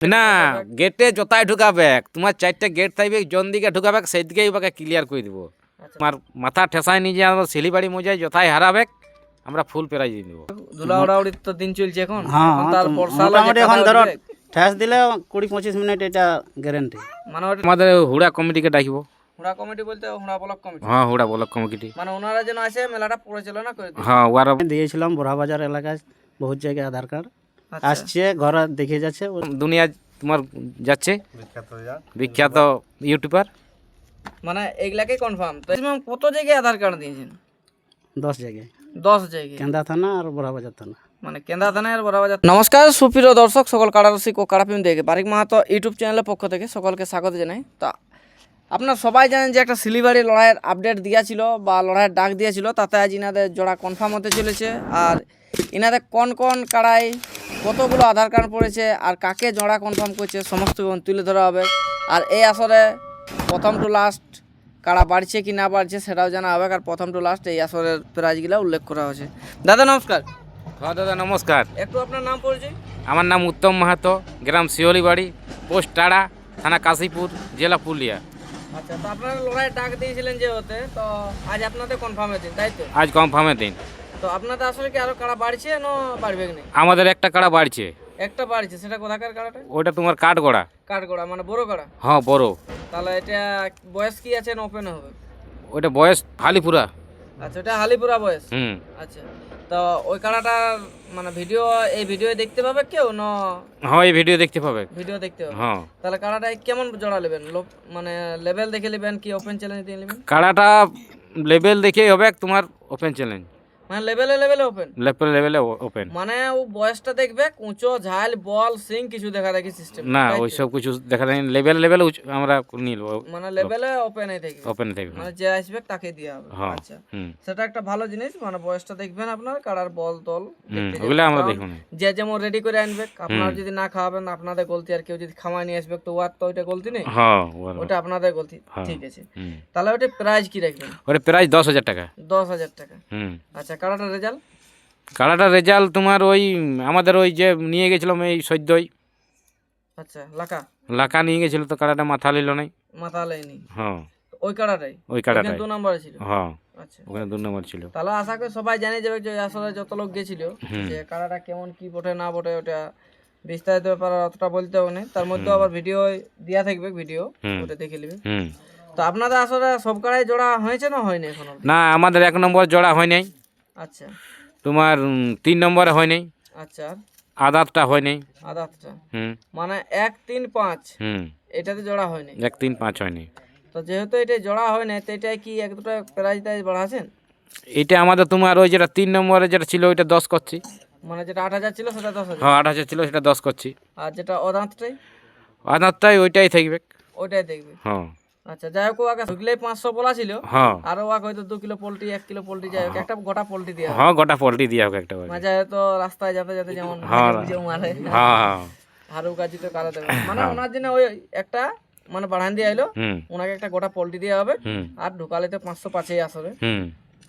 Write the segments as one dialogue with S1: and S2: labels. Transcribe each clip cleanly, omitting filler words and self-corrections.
S1: না গেটে যতাই ঢুকাবে তোমার 4টে গেট থাকবে জন দিকে ঢুকাবে সেই দিকেই ওকে ক্লিয়ার করে দিব। তোমার মাথা ঠেসায় নিয়ে যে আমরা শিলিবাড়ি মজায় যথাই হারাবে আমরা ফুল প্রাইজ দিয়ে দেবো।
S2: ধুলা ওড়াউড়ির তো দিন চলছে এখন।
S3: হ্যাঁ
S2: এখন তার বর্ষা
S3: মোটামুটি এখন ধরো ঠেস দিলে 20-25 মিনিট এটা গ্যারেন্টি।
S2: মানে
S1: আমাদের হুড়া কমিটিকে ডাকবো।
S2: হুড়া কমিটি বলতে হুড়া ব্লক কমিটি,
S1: হ্যাঁ হুড়া ব্লক কমিটি,
S2: মানে ওনারা যেন আসে মেলাটা পরিচালনা করে দেয়।
S1: হ্যাঁ ওরা
S3: দিয়েছিলাম বড়াবাজার এলাকায় বহুত জায়গায় আধার কার্ড
S2: আচ্ছা।
S3: আসছে, ঘরে দেখে যাচ্ছে।
S1: দুনিয়া তোমার যাচ্ছে বিখ্যাত ইউটিউবার।
S2: মানে এইগুলাকে কনফার্ম। তো কত জায়গায় আধার কার্ড দিয়েছেন?
S3: 10 জায়গায়,
S2: 10 জায়গায়,
S3: কেন্দা থানা আর বড়াবাজার থানা।
S2: মানে কেন্দ্রা থানায় আর বড়াবাজার। নমস্কার সুপ্রিয় দর্শক, সকল কাড়ারসিক ও কাড়াপ্রেমী দেখে বারিক মাহাতো ইউটিউব চ্যানেলের পক্ষ থেকে সকলকে স্বাগত জানাই। তা আপনারা সবাই জানেন যে একটা শিলিবাড়ি লড়াইয়ের আপডেট দিয়েছিল বা লড়াইয়ের ডাক দিয়েছিল, তাতে আজ ইনাদের জোড়া কনফার্ম হতে চলেছে। আর ইনাদের কোন কোন কাড়াই কতগুলো আধার কার্ড পড়েছে আর কাকে জোড়া কনফার্ম করছে সমস্ত তুলে ধরা হবে। আর এই আসরে প্রথম টু লাস্ট কাড়া বাড়ছে কি না বাড়ছে সেটাও জানা হবে। আর প্রথম টু লাস্ট এই আসরের প্রাইজগুলো উল্লেখ করা হয়েছে। দাদা নমস্কার।
S1: হ্যাঁ দাদা নমস্কার।
S2: একটু আপনার নাম পরিচয়।
S1: আমার নাম উত্তম মাহাতো, গ্রাম শিওলিবাড়ি, পোস্ট টাড়া, থানা কাশীপুর, জেলা পুরুলিয়া।
S2: আচ্ছা, তো আপনারা লড়াইয়ের ডাক দিয়েছিলেন যে হতে, তো আজ আপনাদের কনফার্মের দিন, তাই তো?
S1: আজ কনফার্মের দিন।
S2: তো আপনাদের আসলে কি আরো কাড়া বাড়ছে না বাড়বে কি?
S1: আমাদের একটা কাড়া বাড়ছে।
S2: একটা বাড়ছে, সেটা কোথাকার কাড়াটা?
S1: ওইটা তোমার কাঠগড়া।
S2: কাঠগড়া মানে বড় কাড়া?
S1: হ্যাঁ বড়।
S2: তাহলে এটা বয়স কি আছে না ওপেন হবে?
S1: ওইটা বয়স হালিপুরা।
S2: আচ্ছা, ওটা হালিপুরা বয়স।
S1: হুম।
S2: আচ্ছা, তো ওই কাড়াটা মানে এই ভিডিও দেখতে পাবে কেউ না?
S1: হ্যাঁ এই ভিডিও দেখতে পাবে।
S2: ভিডিও দেখতে পাবে।
S1: হ্যাঁ।
S2: তাহলে কাড়াটা কেমন জোড়া নেবেন? মানে লেভেল দেখে নেবেন কি ওপেন চ্যালেঞ্জ দিয়ে নেবেন?
S1: কাড়াটা লেভেল দেখেই হবে তোমার ওপেন চ্যালেঞ্জ।
S2: মানে লেভেলে ওপেন?
S1: লেভেলে ওপেন।
S2: মানে ও বয়সটা দেখবে, উঁচু ঝাল বল সিং কিছু দেখা দেখি সিস্টেম
S1: না ওই সব কিছু দেখা যায় লেভেলে আমরা নিব।
S2: মানে লেভেলে ওপেনই থাকবে।
S1: ওপেন থাকবে।
S2: মানে যে আসবে তাকে দেওয়া হবে।
S1: হ্যাঁ।
S2: আচ্ছা,
S1: হুম।
S2: সেটা একটা ভালো জিনিস। মানে বয়সটা দেখবেন আপনার, কাড়ার বল তল দেখতে যাবেন।
S1: ওগুলো আমরা
S2: কারণ
S1: দেখুন।
S2: যে যেমন রেডি করে আনবে, আপনারা যদি না খাওয়াবেন আপনাদের গলতি, আর কেউ যদি খাওয়াই নিয়ে আসবে তো ওর তো ওইটা গলতি নেই।
S1: হ্যাঁ
S2: ওটা আপনাদের গলতি। ঠিক আছে,
S1: হুম।
S2: তাহলে ওটা প্রাইস কি রাখবেন?
S1: ওটা প্রাইস 10,000 টাকা।
S2: 10,000 টাকা।
S1: হুম।
S2: আচ্ছা, কাড়াটার রেজাল্ট?
S1: কাড়াটার রেজাল্ট তোমার ওই আমাদের ওই যে নিয়ে গেছিলাম এই সদ্যই।
S2: আচ্ছা,
S1: লাকা নিয়ে গেছিল তো কাড়াটা মাথা নিল নাই।
S2: মাথা লাইনি?
S1: হ্যাঁ
S2: ওই কাড়াটাই?
S1: ওই কাড়াটাই
S2: 2 নম্বরে ছিল?
S1: হ্যাঁ
S2: আচ্ছা,
S1: ওখানে 2 নম্বর ছিল।
S2: তাহলে আশা করি সবাই জানে যাবে যে আসলে যত লোক গেছিল যে কাড়াটা কেমন কি বটে না বটে, ওটা বিস্তারিত ব্যাপার অতটা বলতে হবে না। তার মধ্যে আবার ভিডিও দেওয়া থাকবে, ভিডিও ওটা দেখে নেবে।
S1: হুম।
S2: তো আপনাদের আসলে সব কাড়াই জোড়া হয়েছে না হয়নি এখনো?
S1: না আমাদের 1 নম্বর জোড়া হয় নাই।
S2: আচ্ছা।
S1: তোমার 3 নম্বরে হয় নাই।
S2: আচ্ছা,
S1: আদাতটা হয় নাই।
S2: আদাতটা
S1: হুম।
S2: মানে 1, 3, 5
S1: হুম।
S2: এটাতে জোড়া হয়নি।
S1: 1, 3, 5 হয় নাই।
S2: তো যেহেতু এটা জোড়া হয় না, তো এটা কি এক দুটো প্রাইজ টাইজ বাড়াছেন?
S1: এটা আমাদের তোমার ওই যেটা 3 নম্বরে যেটা ছিল ওইটা 10 করছি।
S2: মানে যেটা 8,000 ছিল সেটা 10,000?
S1: হ্যাঁ 8,000 ছিল সেটা 10 করছি।
S2: আর যেটা অদাঁতটাই?
S1: আদাতটাই ওইটাই থাকবে।
S2: ওইটাই দেখবে।
S1: হ্যাঁ।
S2: আচ্ছা, যাই হোক, আগে ঢুকলেই 500 বলা ছিল।
S1: হ্যাঁ।
S2: আর ওকে হয়তো 2 কিলো পোল্ট্রি 1 কিলো পোল্ট্রি, যাই হোক একটা গোটা পোল্ট্রি দেওয়া।
S1: হ্যাঁ গোটা পোল্ট্রি দিয়া হোক একটা।
S2: মাঝে হয়তো রাস্তায় যেতে যেতে যেমন
S1: হ্যাঁ।
S2: মারে
S1: হ্যাঁ
S2: হারু কাজি তো কারা দেবে, মানে ওনার জন্য ওই একটা মানে বাড়ান দিয়ে আইলো,
S1: হুম।
S2: ওনাকে একটা গোটা পোল্ট্রি দেওয়া হবে।
S1: হুম।
S2: আর ঢুকালে তো 500 পাঁচেই আসবে।
S1: হুম।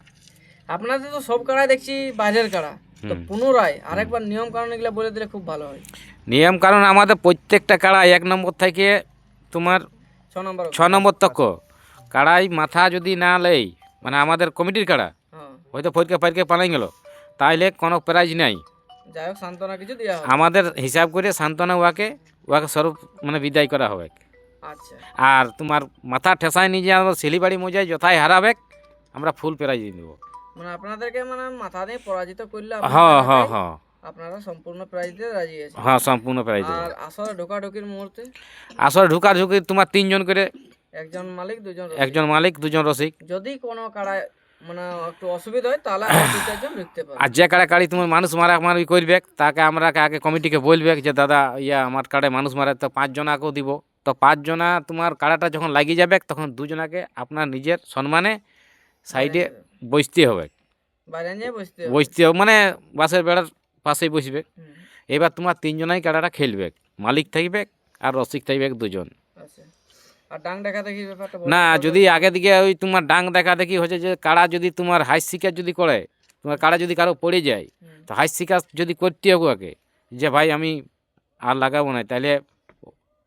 S2: আপনাদের তো সব কাড়াই দেখছি বাইরের কাড়া, তো পুনরায় আরেকবার নিয়ম কারণ এগুলো বলে দিলে খুব ভালো হয়।
S1: নিয়ম কারণ আমাদের প্রত্যেকটা কাড়া 1 নম্বর থেকে তোমার
S2: 6
S1: নম্বর তক কাড়াই মাথা যদি না লেই, মানে আমাদের কমিটির কাড়া
S2: হ্যাঁ,
S1: হয়তো ফটকে পালাই গেল তাইলে কোনো প্রাইজ নাই।
S2: যাই হোক সান্ত্বনা কিছু দেওয়া হবে।
S1: আমাদের হিসাব করে সান্ত্বনা ওয়াকে স্বরূপ মানে বিদায় করা হবে।
S2: আচ্ছা,
S1: আর তোমার মাথা ঠেসায় নিয়ে যে আমরা শিলিবাড়ি মজায় যথাই হারাবে আমরা ফুল প্রাইজ দিয়ে দেবো।
S2: মানে আপনাদেরকে মানে মাথা দিয়ে পরাজিত করলে
S1: হ্যাঁ হ্যাঁ হ্যাঁ
S2: আপনারা সম্পূর্ণ প্রাইজ দিয়ে রাজি আছেন?
S1: হ্যাঁ সম্পূর্ণ প্রাইজ দেবো।
S2: আর আসলে ঢোকাঢুকির মুহূর্তে
S1: আসলে ঢুকি তোমার 3 জন করে,
S2: একজন মালিক 2 জন
S1: একজন মালিক 2 জন রসিক।
S2: যদি কোনো কাড়ায় মানে একটু অসুবিধা হয় তাহলে 2-4 জন ঢুকতে পারে।
S1: আর যে কাড়ি তোমার মানুষ মারামারি করবে তাকে আমরা আগে কমিটিকে বলবে যে দাদা আমার কাড়ায় মানুষ মারে, তো 5 জনাকেও দিব। তো 5 জনা তোমার কাড়াটা যখন লাগিয়ে যাবে তখন 2 জনাকে আপনার নিজের সম্মানে সাইডে বসতে হবে।
S2: বাইরে নিয়ে বসতে
S1: হবে মানে বাসের বেড়ার পাশেই বসবে। এবার তোমার 3 জনাই কাড়াটা খেলবে, মালিক থাকবে আর রসিক থাকবে 2 জন।
S2: আচ্ছা, আর ডাং দেখা দেখি ব্যাপারটা
S1: না যদি আগে দিকে ওই তোমার ডাং দেখা দেখি হচ্ছে যে কাড়া যদি তোমার হাইস শিকার যদি করে, তোমার কাড়া যদি কারো পড়ে যায় তো হাইস শিকার যদি করতে হবে ওকে যে ভাই আমি আর লাগাবো না, তাহলে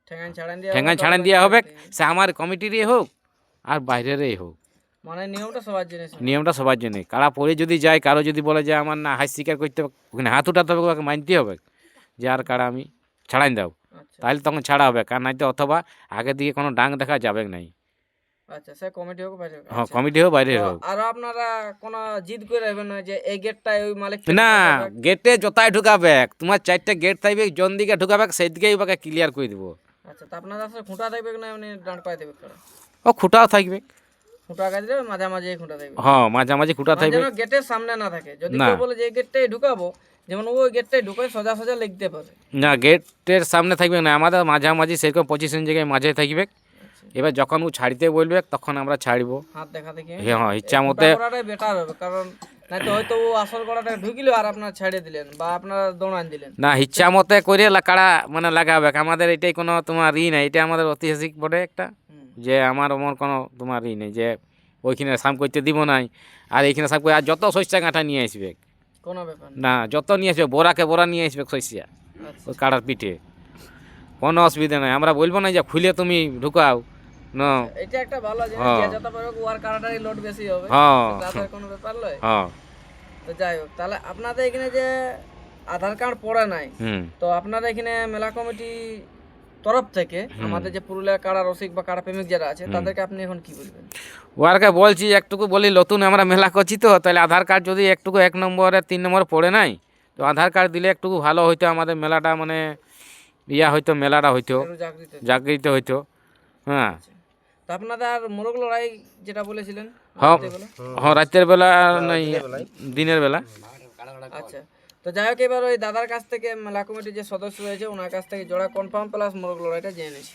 S2: ঠেঙ্গান ছাড়ান দিয়ে
S1: ঠেঙ্গান ছাড়ান দেওয়া হবে, সে আমার কমিটিরই হোক আর বাইরেরই হোক।
S2: মানে নিয়মটা সবার জন্য
S1: নিয়মটা সবার জন্য। কাড়া পরে যদি যায়, কারো যদি বলে যে আমার না হাত স্বীকার করতে হবে, ওখানে হাত উঠাতে হবে, ওকে মানতে হবে যে আর কাড়া আমি ছাড়াই দাও,
S2: আচ্ছা
S1: তাহলে তখন ছাড়া হবে। কারণ নাইতে অথবা আগে দিকে কোনো ডাং দেখা যাবে নাই।
S2: আচ্ছা, সে কমিটি হোক বাইরে হোক।
S1: হ্যাঁ, কমিটি হোক বাইরে হোক।
S2: আর আপনারা কোনো জিদ করে রাখবেন না যে এই গেটটাই ওই মালিক
S1: না, গেটে যতায় ঢুকাবে, তোমার 4টা গেট থাকবে, জন দিকে ঢুকাবে সেই দিকেই ওকে ক্লিয়ার করে দিব।
S2: আচ্ছা, তা আপনাদের আসলে খুঁটা থাকবে না এমনি দাঁড় পাই দেবে কারা?
S1: ও খুঁটাও থাকবে,
S2: খুঁটা কাজ দেবে মাঝামাঝি খুঁটা থাকবে,
S1: হ্যাঁ মাঝামাঝি খুঁটা
S2: মানে
S1: থাকবে।
S2: যেন গেটের সামনে না থাকে। যদি
S1: না।
S2: কেউ বলে যে এই গেটটাই ঢুকাবো, যেমন ওই গেটটাই ঢুকে সোজা সোজা লিখতে পারে।
S1: না, গেটের সামনে থাকবে না, আমাদের মাঝামাঝি সেরকম পজিশন জায়গায় মাঝে থাকবে। এবার যখন ও ছাড়িতে বলবে তখন আমরা ছাড়বো।
S2: হাত দেখা দেখি
S1: হ্যাঁ, ইচ্ছা মতে।
S2: করাটাই বেটার হবে, কারণ নাই তো হয়তো ও আসল করাটা ঢুকিল আর আপনার ছেড়ে দিলেন বা আপনারা দৌড়ান দিলেন।
S1: না, ইচ্ছা মতে করে কাড়া মানে লাগাবে। আমাদের এটাই কোনো তোমার নাই, এটা আমাদের ঐতিহাসিক বটে একটা, যে আমার কোনো তোমার নেই যে ওইখানে সাম করতে দিব নাই আর এইখানে সাম করে। আর যত শস্যা কাঁটা নিয়ে আসবে,
S2: কোনো ব্যাপার
S1: না যত নিয়ে আসবে, বোরাকে বোরা নিয়ে আসবে শস্যা
S2: আচ্ছা,
S1: ওই কাড়ার পিঠে, কোনো অসুবিধা নাই। আমরা বলবো না যে খুলে তুমি ঢুকাও না।
S2: এটা একটা ভালো জিনিস,
S1: হ্যাঁ।
S2: যে যত পারবে ওয়ার কারাটারই লোড বেশি হবে,
S1: হ্যাঁ
S2: তাদের কোনো ব্যাপার নয়।
S1: হ্যাঁ।
S2: তো যাই হোক, তাহলে আপনাদের এখানে যে আধার কার্ড পড়ে নাই,
S1: হুম।
S2: তো আপনারা এখানে মেলা কমিটি তরফ থেকে আমাদের যে পুরুলিয়া কাড়া রসিক বা কাড়া প্রেমিক যারা আছে তাদেরকে আপনি এখন কি বলবেন?
S1: ওয়ারকে বলছি একটুকু বলি, নতুন আমরা মেলা করছি তো, তাহলে আধার কার্ড যদি একটুকু 1 নম্বরে 3 নম্বরে পড়ে নাই, তো আধার কার্ড দিলে একটুকু ভালো হইতো, আমাদের মেলাটা মানে হইতো, মেলাটা হইতো,
S2: একটু জাগৃত।
S1: জাগৃত হইতো। হ্যাঁ
S2: তো আপনাদের মোরগ লড়াই যেটা বলেছিলেন
S1: হ্যাঁ
S2: রাত্রেবেলা?
S1: হ্যাঁ, রাতের বেলা নাই, দিনের বেলা।
S2: আচ্ছা, তো যাই হোক, এবার ওই দাদার কাছ থেকে মেলা কমিটির যে সদস্য রয়েছে ওনার কাছ থেকে জোড়া কনফার্ম প্লাস মোরগ লড়াইটা জেনে নিয়েছি।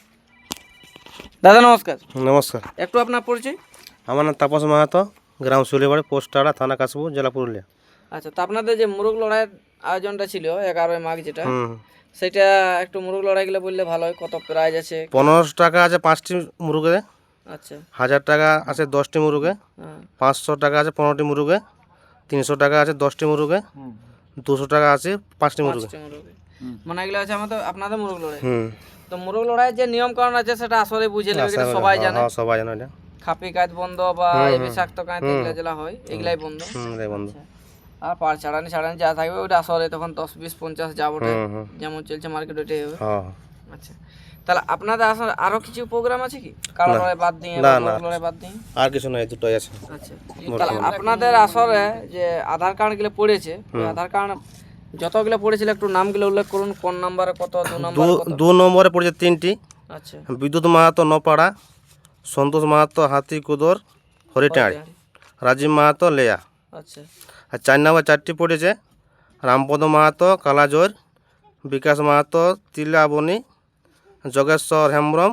S2: দাদা নমস্কার।
S4: নমস্কার,
S2: একটু আপনার পরিচয়।
S4: আমার নাম তাপস মাহাতো, গ্রাম সুলিবাড়ি, পোস্ট টাড়া, থানা কাশবু, জেলা পুরুলিয়া।
S2: আচ্ছা, তো আপনাদের যে মোরগ লড়াইয়ের আয়োজনটা ছিল 11ই মাঘ যেটা,
S4: হুম,
S2: সেটা একটু মোরগ লড়াইগুলো বললে ভালো হয়। কত প্রাইজ আছে?
S4: 1500 টাকা আছে 5টি মুরগে,
S2: আচ্ছা
S4: 1000 টাকা আছে 10টি মুরগে,
S2: হ্যাঁ
S4: 500 টাকা আছে 15টি মুরগে, 300 টাকা আছে 10টি মুরগে, 200 টাকা আছে 5টি মুরগে।
S2: 5টি মোরগ, মানে এগুলো আছে আমাদের আপনাদের মোরগ লড়াই।
S4: হুম,
S2: তো মোরগ লড়াইয়ের যে নিয়ম কারণ আছে সেটা আসলে বুঝে নেবে, এটা সবাই জানে।
S4: হ্যাঁ সবাই জানে এটা।
S2: খাপি কাজ বন্ধ বা এই বিষাক্ত কাজ এগুলো যেগুলো হয় এগুলাই বন্ধ।
S4: রে বন্ধু।
S2: আর পার ছাড়ানি যা থাকবে ওটা আসলে তখন 10 20 50 যা ওঠে,
S4: হুম।
S2: যেমন চলছে মার্কেট ওইটাই হবে।
S4: হ্যাঁ,
S2: আচ্ছা, তাহলে আপনাদের আসলে আরো কিছু প্রোগ্রাম আছে কি কালো লড়াই বাদ দিয়ে
S4: না,
S2: বা
S4: না।
S2: মোরগ লড়াই বাদ দিয়ে?
S4: আর কিছু নয়, দুটোই আছে।
S2: আচ্ছা, তাহলে আপনাদের আসলে যে আধার কার্ড গুলো পড়েছে, ওই আধার কার্ড যতগুলো পড়েছিল একটু নামগুলো উল্লেখ করুন, কোন নাম্বারে কত, 2 নম্বরে কত?
S4: 2 নম্বরে পড়েছে 3টি,
S2: আচ্ছা,
S4: বিদ্যুৎ মাহাতো নপাড়া, সন্তোষ মাহাতো হাতিকুদর হরিটাঁড়ি, রাজীব মাহাতো লেয়া।
S2: আচ্ছা,
S4: আর 4 নম্বর 4টি পড়েছে রামপদ মাহাতো কালাজোর, বিকাশ মাহাতো তিলাবনি, যোগেশ্বর হেমব্রম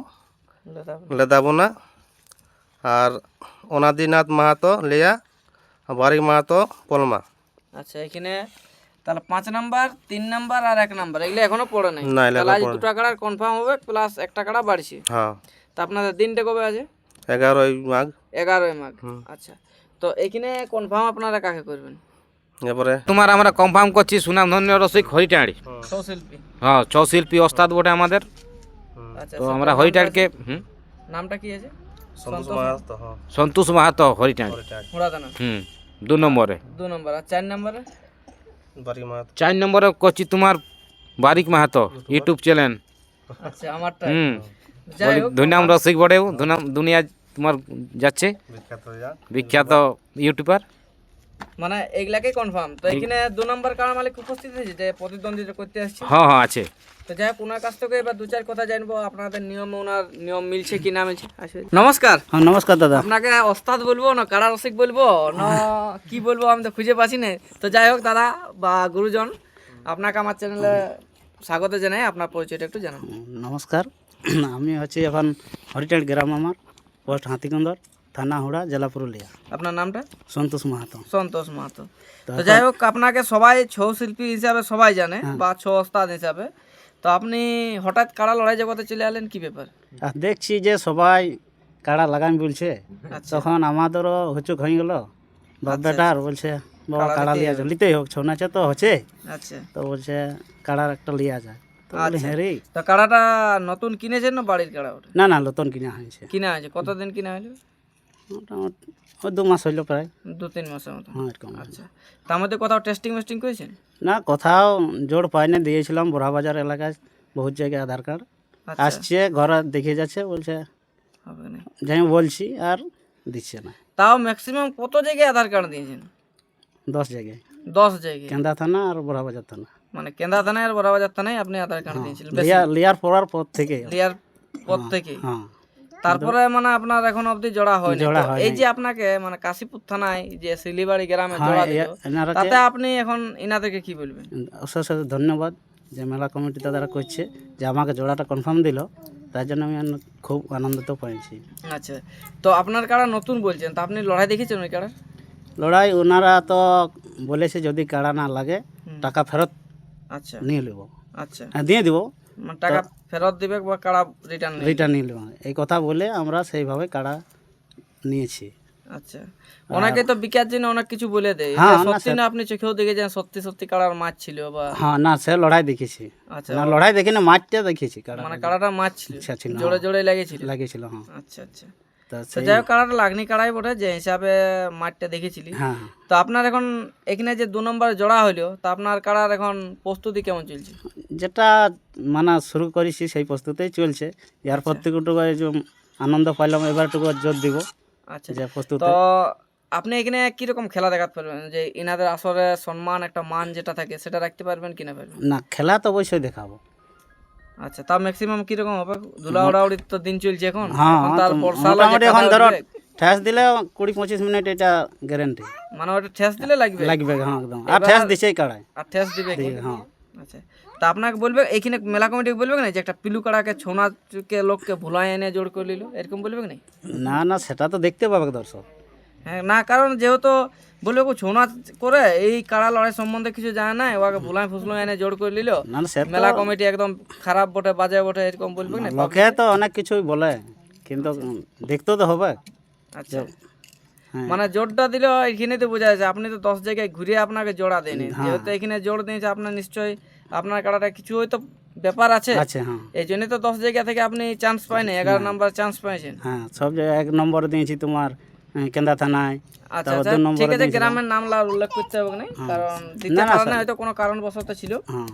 S4: লেদাবনা, আর অনাদিনাথ মাহাতো লেয়া, বারিক মাহাতো পলমা।
S2: আচ্ছা, এখানে তাহলে 5 নাম্বার 3 নাম্বার আর 1 নাম্বার এগুলো এখনো পড়ে নাই।
S4: না, এগুলো
S2: তাহলে আজ
S4: এখনো
S2: 2 টাকার কনফার্ম হবে প্লাস 1 টাকাটা বাড়ছে।
S4: হ্যাঁ,
S2: তা আপনাদের দিনটা কবে আছে?
S4: 11ই মাঘ।
S2: 11ই মাঘ। আচ্ছা, তো এখানে কনফার্ম আপনারা কাকে করবেন?
S4: এরপরে
S1: তোমার আমরা কনফার্ম করছি সুনামধন্য রসিক হরিটাঁড়ি।
S2: সৌশিল্পী।
S1: হ্যাঁ, 6 শিল্পী ওস্তাদ বটে আমাদের।
S2: আচ্ছা,
S1: তো আমরা হরিটাঁড়িকে
S2: নামটা কি আছে?
S4: সন্তোষ মাহাতো, হ্যাঁ,
S1: সন্তোষ মাহাতো হরিটাঁড়ি।
S2: হুড়াদানা
S1: 2 নম্বরে।
S2: 2 নাম্বার। আর 4 নাম্বারে?
S4: বারিক মাহাতো।
S1: 4 নম্বরে করছি তোমার বারিক মাহাতো ইউটিউব চ্যানেল।
S2: আচ্ছা, আমারটা।
S1: হুম,
S2: যাই হোক,
S1: দুনাম রসিক বটেও, দুনিয়া তোমার যাচ্ছে
S4: বিখ্যাত হয়ে
S1: বিখ্যাত ইউটিউবার।
S2: মানে এগুলাকে কনফার্ম। তো এখানে 2 নাম্বার কার মালিক উপস্থিত আছে যে প্রতিদ্বন্দ্বিতা করতে আসছে।
S1: হ্যাঁ হ্যাঁ আছে।
S2: তো যাই হোক, ওনার কাছ থেকে এবার 2-4 কথা জানবো, আপনাদের নিয়ম ওনার নিয়ম মিলছে কি না মিলছে। নমস্কার।
S3: হ্যাঁ নমস্কার দাদা।
S2: আপনাকে ওস্তাদ বলবো না কারা রসিক বলবো না কি বলবো আমি তো খুঁজে পাচ্ছি না। তো যাই হোক দাদা বা গুরুজন, আপনাকে আমার চ্যানেলে স্বাগত জানাই, আপনার পরিচয়টা একটু জানান।
S3: নমস্কার, আমি হচ্ছে এখন হরিটাঁড়ি গ্রাম, আমার পোস্ট হাতিকুন্দর, থানা হুড়া, জেলা পুরুলিয়া।
S2: আপনার নামটা?
S3: সন্তোষ মাহাতো।
S2: সন্তোষ মাহাতো। তো যাই হোক, আপনাকে সবাই ছৌ শিল্পী হিসাবে সবাই জানে বা ছৌ ওস্তাদ হিসাবে। তো আপনি হঠাৎ কাড়া লড়াই জগতে চলে এলেন, কি ব্যাপার?
S3: আর দেখছি যে সবাই কাড়া লাগামি বলছে,
S2: আচ্ছা,
S3: তখন আমাদেরও হুচুক হয়ে গেল। বাপ বেটার বলছে বাবা কাড়া লিয়া যায়, লিতেই হোক, ছৌ নাচে তো হচ্ছে,
S2: আচ্ছা,
S3: তো বলছে কাড়ার একটা লিয়া যায়। তো বলি হ্যাঁ রে।
S2: তো কাড়াটা নতুন কিনেছেন না বাড়ির কাড়া ওটা?
S3: না না নতুন কিনা হয়েছে,
S2: কিনা আছে, কতদিন কিনা হলো?
S3: মোটামুটি ওই 2 মাস হইলো প্রায়।
S2: 2-3 মাসের মতো।
S3: হ্যাঁ এরকম।
S2: আচ্ছা, তার মধ্যে কোথাও টেস্টিং মেস্টিং করেছেন?
S3: না কোথাও জোর পাইনি, দিয়েছিলাম বড়াবাজার এলাকায় বহুত জায়গায় আধার কার্ড
S2: আচ্ছা,
S3: আসছে, ঘরে দেখে যাচ্ছে, বলছে
S2: হবে না।
S3: যাই বলছি আর দিচ্ছে না।
S2: তাও ম্যাক্সিমাম কত জায়গায় আধার কার্ড দিয়েছেন?
S3: 10 জায়গায়,
S2: 10 জায়গায়।
S3: কেন্দা থানা আর বড়াবাজার থানা।
S2: মানে কেন্দ্রা থানায় আর বড়াবাজার থানায় আপনি আধার কার্ড দিয়েছিলেন
S3: লিয়ার পড়ার পর থেকে।
S2: লিয়ার পর থেকে?
S3: হ্যাঁ
S2: তারপরে মানে আপনার এখন অবধি জোড়া হয়নি।
S3: জোড়া
S2: তো
S3: হয়নি।
S2: এই যে আপনাকে মানে কাশীপুর থানায় যে শিলিবাড়ি গ্রামে
S3: হ্যাঁ
S2: জোড়া দিল,
S3: এনারা
S2: তাতে আপনি এখন ইনাদেরকে কি বলবেন?
S3: অশেষ ধন্যবাদ যে মেলা কমিটি তারা করছে, যে আমাকে জোড়াটা কনফার্ম দিল, তার জন্য আমি খুব আনন্দিত পাইছি।
S2: আচ্ছা, তো আপনার কাড়া নতুন বলছেন, তা আপনি লড়াই দেখেছেন ওই কাড়ার?
S3: লড়াই ওনারা তো বলেছে যদি কাড়া না লাগে টাকা ফেরত
S2: আচ্ছা
S3: নিয়ে নেব,
S2: আচ্ছা,
S3: হ্যাঁ দিয়ে দিব,
S2: মানে টাকা ফেরত দিবে বা কাড়া রিটার্ন নেবে?
S3: রিটার্ন নিয়ে নেব, এই কথা বলে আমরা সেইভাবে কাড়া নিয়েছি।
S2: আচ্ছা, অনেকে তো বিকার জন্য অনেক কিছু বলে দেয়,
S3: হ্যাঁ,
S2: এটা
S3: না,
S2: সত্যি না? আপনি চোখেও দেখেছেন সত্যি সত্যি কাড়ার মাছ ছিল বা?
S3: হ্যাঁ না সে লড়াই দেখেছি,
S2: আচ্ছা,
S3: না লড়াই দেখি না, মাঠটা দেখেছি, কাড়া
S2: মানে কাড়াটা মাছ ছিল,
S3: ইচ্ছা ছিল,
S2: জোরে জোরে লেগেছিল?
S3: লাগিয়েছিল। হ্যাঁ
S2: আচ্ছা আচ্ছা।
S3: তা
S2: তো
S3: সেই
S2: যাই হোক, কাড়াটা লাগনি কাড়াই বটে, যে হিসাবে মাঠটা দেখেছিলি।
S3: হ্যাঁ
S2: তো আপনার এখন এখানে যে 2 নম্বরে জোড়া হইলো, তা আপনার কাড়ার এখন প্রস্তুতি কেমন চলছে?
S3: যেটা মানে শুরু করেছি সেই প্রস্তুতেই চলছে, এর প্রত্যেকটুকু যে আনন্দ পাইলাম, এবারটুকু জোর দিব
S2: আচ্ছা,
S3: যে প্রস্তুত।
S2: তো আপনি এখানে কিরকম খেলা দেখাতে পারবেন, যে ইনাদের আসরে সম্মান একটা মান যেটা থাকে সেটা রাখতে পারবেন কিনা পারবেন?
S3: না খেলা তো অবশ্যই দেখাবো।
S2: আচ্ছা, তা ম্যাক্সিমাম কিরকম হবে? ধুলা উড়াউড়ির তো দিন চলছে এখন,
S3: হ্যাঁ
S2: এখন তার
S3: তো
S2: বর্ষা হলে
S3: মোটামুটি
S2: যে
S3: এখন
S2: কাদা
S3: ধরো
S2: উঠবে,
S3: ঠেস দিলে 20-25 মিনিট এটা গ্যারেন্টি
S2: মানে ওটা ঠেস দিলে লাগবে
S3: লাগবে। হ্যাঁ একদম, আর ঠেস দিছেই কাড়ায়।
S2: আর ঠেস দিবে কি?
S3: হ্যাঁ
S2: আচ্ছা, তা আপনাকে বলবে এইখানে মেলা কমিটিকে বলবে না যে একটা পিলু কাড়াকে ছোনাকে লোককে ভুলাই এনে জোর করে নিল, এরকম বলবে না?
S3: না না সেটা তো দেখতে পাবে দর্শক।
S2: হ্যাঁ, না কারণ যেহেতু বলবে ও ছৌ নাচ করে এই কাড়া লড়াই সম্বন্ধে কিছু জানে না, ওকে ভুলাই ফুসলাই এনে জোর করে নিল,
S3: না না সে তো
S2: মেলা কমিটি একদম খারাপ বটে, বাজে বটে, এরকম বলবে না?
S3: লোকে তো অনেক কিছুই বলে, কিন্তু দেখতেও তো হবে।
S2: আচ্ছা,
S3: হ্যাঁ।
S2: মানে জোরটা দিলে এখানে তো বোঝা যাচ্ছে আপনি তো 10 জায়গায় ঘুরে আপনাকে জোড়া দেয়নি, যেহেতু এখানে জোর দিয়েছে আপনার নিশ্চয়ই আপনার কাড়াটা কিছু হয়তো ব্যাপার আছে,
S3: আছে হ্যাঁ
S2: এই জন্যই তো 10 জায়গা থেকে আপনি চান্স পাইনি, 11 নাম্বার চান্স পাইছেন।
S3: হ্যাঁ সব জায়গায় 1 নম্বর দিয়েছি তোমার কেন্দা থানায়।
S2: আচ্ছা
S3: তারপর
S2: আচ্ছা,
S3: 2 নম্বরে
S2: ঠিক আছে,
S3: দিয়েছিলাম।
S2: গ্রামের নাম উল্লেখ করতে হবে না, কারণ দিতে
S3: না, না,
S2: পারে না,
S3: স্যার।
S2: হয়তো কোনো কারণবশত ছিল।
S3: হ্যাঁ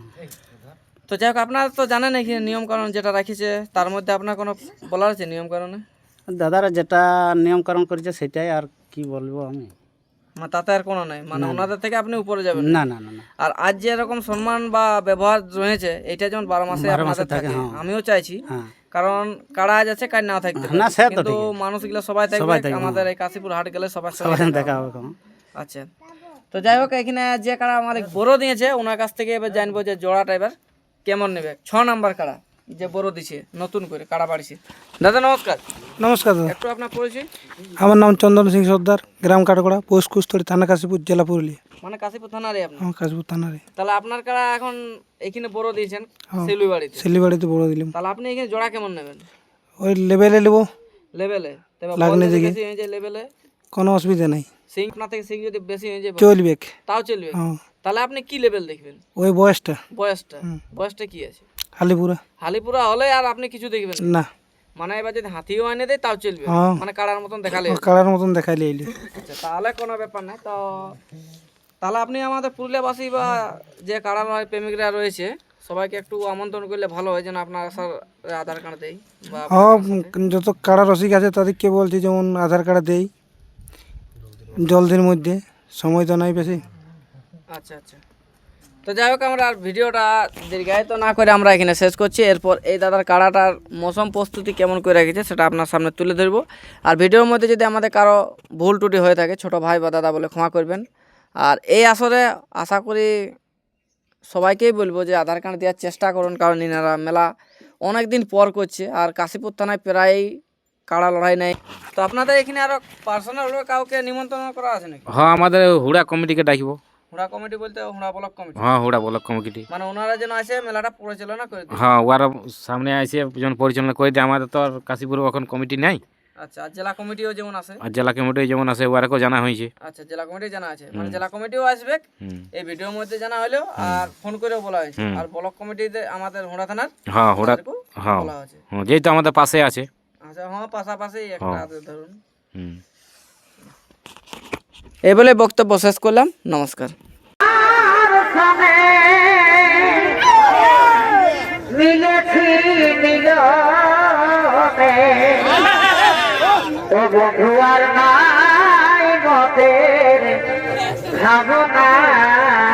S2: তো যাই হোক, আপনারা তো জানেন এখানে নিয়ম কারণ যেটা রাখিছে, তার মধ্যে আপনার কোনো বলার আছে নিয়ম কারণে?
S3: দাদারা যেটা নিয়মকরণ করেছে সেটাই, আর কি বলবো আমি।
S2: মানে তাতে আর কোনো নাই, মানে ওনাদের থেকে আপনি উপরে যাবেন
S3: না না না না
S2: আর আজ যে এরকম সম্মান বা ব্যবহার রয়েছে, এটা যেমন 12 মাসে
S3: 12
S2: আপনাদের
S3: মাসে থাকে,
S2: থাকে,
S3: হ্যাঁ।
S2: আমিও চাইছি,
S3: হ্যাঁ
S2: কারণ কারা আজ আছে কাজ নাও থাকতে পারে,
S3: না, সে তো
S2: কিন্তু
S3: ঠিকই।
S2: মানুষগুলো সবাই
S3: সবাই
S2: থাকবে,
S3: থাকবে,
S2: আমাদের এই কাশীপুর হাট গেলে সবার
S3: সবাই
S2: সবাই
S3: দেখা হবে কোনো।
S2: আচ্ছা, তো যাই হোক, এখানে যে কাড়া আমাদের বড় দিয়েছে ওনার কাছ থেকে এবার জানবো যে জোড়াটা এবার কেমন নেবে। 6 নাম্বার কাড়া যে বড় দিছে নতুন করে কাড়া বাড়িছে। দাদা নমস্কার।
S5: নমস্কার দাদা,
S2: একটু আপনার পরিচয়।
S5: আমার নাম চন্দন সিং সর্দার, গ্রাম কাটগড়া, পোস্ট কুস্তরি, থানা কাশীপুর, জেলা পুরুলিয়া।
S2: মানে কাশীপুর থানারই আপনি?
S5: আমার কাশীপুর থানারে।
S2: তাহলে আপনার কাড়া এখন এখানে বড় দিয়েছেন শিলুবাড়িতে,
S5: শিলিবাড়িতে বড় দিলাম,
S2: তাহলে আপনি এখানে জোড়া কেমন নেবেন?
S5: ওই লেভেলে নেবো,
S2: লেভেলে? তবে
S5: লাগনি
S2: বল যদি
S5: দিকে।
S2: বেশি হয়ে যায় লেভেলে,
S5: কোনো অসুবিধা নেই,
S2: সিং আপনার থেকে সিং যদি বেশি হয়ে যায়
S5: চলবে।
S2: তাও চলবে?
S5: হ্যাঁ
S2: তাহলে আপনি কি লেভেল দেখবেন?
S5: ওই বয়সটা
S2: বয়সটা কি আছে?
S5: হালিপুরা
S2: হালিপুরা হলে আর আপনি কিছু দেখবেন না?
S5: না,
S2: মানে এবার যদি হাতিও এনে দেয় তাও চলবে,
S5: হ্যাঁ।
S2: মানে কাড়ার মতন দেখালে?
S5: কালার মতন দেখাইলে এলি।
S2: আচ্ছা, তাহলে কোনো ব্যাপার নাই। তো তাহলে আপনি আমাদের পুরুলিয়াবাসী বা যে কাড়া লড়াই প্রেমিকরা রয়েছে সবাইকে একটু আমন্ত্রণ করলে ভালো হয়, যেন আপনার আসার আধার কার্ড দেয় বা
S5: হ্যাঁ, যত কাড়া রসিক আছে তাদেরকে বলছি যেমন আধার কার্ড দেই জলদির মধ্যে, সময় তো নাই বেশি।
S2: আচ্ছা আচ্ছা, তো যাই হোক, আমরা আর ভিডিওটা দীর্ঘায়িত না করে আমরা এখানে শেষ করছি। এরপর এই দাদার কাড়াটার মৌসুম প্রস্তুতি কেমন করে রেখেছে সেটা আপনার সামনে তুলে ধরবো। আর ভিডিওর মধ্যে যদি আমাদের কারো ভুল ত্রুটি হয়ে থাকে ছোট ভাই বা দাদা বলে ক্ষমা করবেন। আর এই আসরে আশা করি সবাইকেই বলবো যে আধার কার্ড দেওয়ার চেষ্টা করুন, কারণ ইনারা মেলা অনেক দিন পর করছে আর কাশীপুর থানায় প্রায়ই কাড়া লড়াই নেই। তো আপনাদের এখানে আরও পার্সোনাল কাউকে নিমন্ত্রণ করা আছে নাকি?
S1: হ্যাঁ আমাদের হুড়া কমিটিকে ডাকিব।
S2: হুড়া কমিটি বলতে হুড়া ব্লক কমিটি?
S1: হ্যাঁ হুড়া ব্লক কমিটি,
S2: মানে ওনারা যেন আসে মেলাটা পরিচালনা করে দেয়।
S1: হ্যাঁ ওরা সামনে এসে যখন পরিচালনা করে দেয়। আমাদের তো আর কাশীপুর এখন কমিটি নাই,
S2: আচ্ছা, আর জেলা কমিটিও যেমন আছে।
S1: আর জেলা কমিটি যেমন আছে ওয়ারকেও জানা হয়েছে।
S2: আচ্ছা, জেলা কমিটি জানা আছে, মানে জেলা কমিটিও আসবে
S1: হুম।
S2: এই ভিডিওর মধ্যে জানা হলেও, আর ফোন করেও বলা হয়েছে। আর ব্লক কমিটিতে আমাদের হুড়া থানার
S1: হ্যাঁ ওরা
S2: তাদেরকেও
S1: হ্যাঁ
S2: বলা হয়েছে।
S1: যেহেতু আমাদের পাশে আছে।
S2: আচ্ছা, হ্যাঁ, পাশাপাশি একটা ধরুন।
S1: হুম।
S2: এই বলে বক্তব্য শেষ করলাম, নমস্কার।
S6: মিলেছি মিলনে ও বন্ধু আর নাই মতের ভাবনা